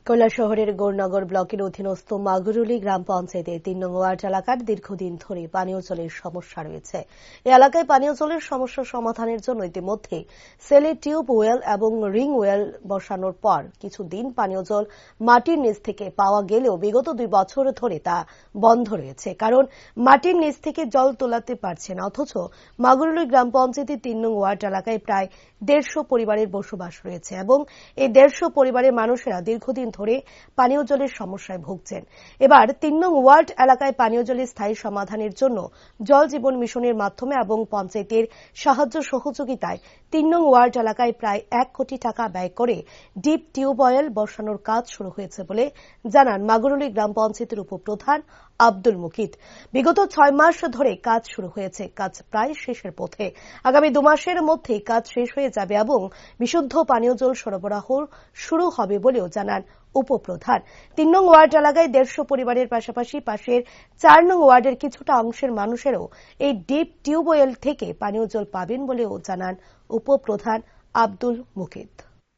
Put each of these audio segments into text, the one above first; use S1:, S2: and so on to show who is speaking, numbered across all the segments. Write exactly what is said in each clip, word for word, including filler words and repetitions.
S1: কৈলাসহরের গৌরনগর ব্লকের অধীনস্থ মাগুরুলি গ্রাম পঞ্চায়েতের তিন নং ওয়ার্ড এলাকার দীর্ঘদিন ধরে পানীয় জলের সমস্যা রয়েছে। এই এলাকায় পানীয় জলের সমস্যা সমাধানের জন্য ইতিমধ্যে সেলে টিউব ওয়েল এবং রিং ওয়েল বসানোর পর কিছুদিন পানীয় জল মাটির নিচ থেকে পাওয়া গেলেও বিগত দুই বছর ধরে তা বন্ধ রয়েছে, কারণ মাটির নিচ থেকে জল তোলাতে পারছে না। অথচ মাগুরুলি গ্রাম পঞ্চায়েতের তিন নং ওয়ার্ড এলাকায় প্রায় দেড়শো পরিবারের বসবাস রয়েছে এবং এই দেড়শো পরিবারের মানুষেরা দীর্ঘদিন ধরে পানীয় জলের সমস্যায় ভুগছেন। এবার তিন নং ওয়ার্ড এলাকায় পানীয় জলের স্থায়ী সমাধানের জন্য জল জীবন মিশনের মাধ্যমে এবং পঞ্চায়েতের সাহায্য সহযোগিতায় তিন নং ওয়ার্ড এলাকায় প্রায় এক কোটি টাকা ব্যয় করে ডিপ টিউবওয়েল বসানোর কাজ শুরু হয়েছে বলে জানান মাগুরুলি গ্রাম পঞ্চায়েতের উপপ্রধান আব্দুল মুকিত। বিগত ছয় মাস ধরে কাজ শুরু হয়েছে, কাজ প্রায় শেষের পথে। আগামী দু মাসের মধ্যেই কাজ শেষ হয়ে যাবে এবং বিশুদ্ধ পানীয় জল সরবরাহ শুরু হবে বলেও জানান উপপ্রধান। তিন নং ওয়ার্ড এলাকায় দেড়শো পরিবারের পাশাপাশি পাশের চার নং ওয়ার্ডের কিছুটা অংশের মানুষেরও এই ডিপ টিউবওয়েল থেকে পানীয় জল পাবেন বলেও জানান উপপ্রধান আব্দুল মুকিত।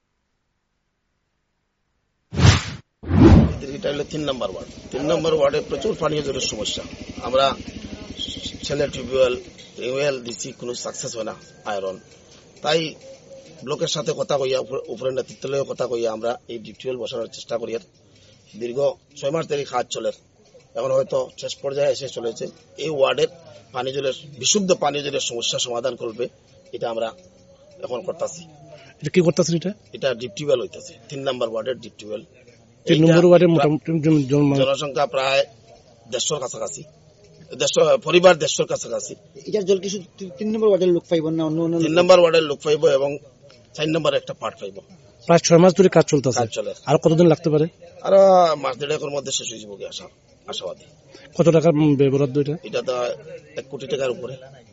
S2: এটা হলো তিন নম্বর ওয়ার্ড। তিন নম্বর ওয়ার্ডে প্রচুর পানীয় জলের সমস্যা। আমরা ছেলে টিউবওয়েল টিউবওয়েল দিচ্ছি, কোনো সাকসেস হয় না আয়রন। তাই ব্লকের সাথে কথা কইয়া, উপরের নেতৃত্বের কথা কইয়া আমরা এই ডিপ টিউবওয়েল বসানোর চেষ্টা করি। দীর্ঘ ছয় মাস ধরে কাজ চলে, এখন হয়তো শেষ পর্যায়ে এসে চলেছে। এই ওয়ার্ডের পানীয় জলের বিশুদ্ধ পানীয় জলের সমস্যা সমাধান করবে, এটা আমরা এখন করতেছি।
S3: এটা কি করতেছেন? এটা এটা
S2: ডিপ টিউবওয়েল হইতেছে তিন নম্বর ওয়ার্ডের ডিপ টিউবওয়েল।
S3: তিন নম্বর ওয়ার্ডের মোটামুটি
S2: জনসংখ্যা প্রায় দেড়শোর কাছাকাছি, দেড়শো পরিবার দেড়শোর কাছাকাছি।
S4: এটার জল কিছু তিন নম্বর ওয়ার্ডের লোক পাইব না, অন্য অন্য
S2: তিন নম্বর ওয়ার্ডের লোক পাইব এবং চার নম্বর একটা পার্ট পাইব।
S3: প্রায় ছয় মাস ধরে কাজ চলতেছে,
S2: কাজ চলে।
S3: আর কতদিন লাগতে পারে?
S2: আর মাস দেড়েকের মধ্যে শেষ হয়ে যাবে আশা আশাবাদী।
S3: কত টাকার বরাদ্দ এটা?
S2: এটা তো এক কোটি টাকার উপরে।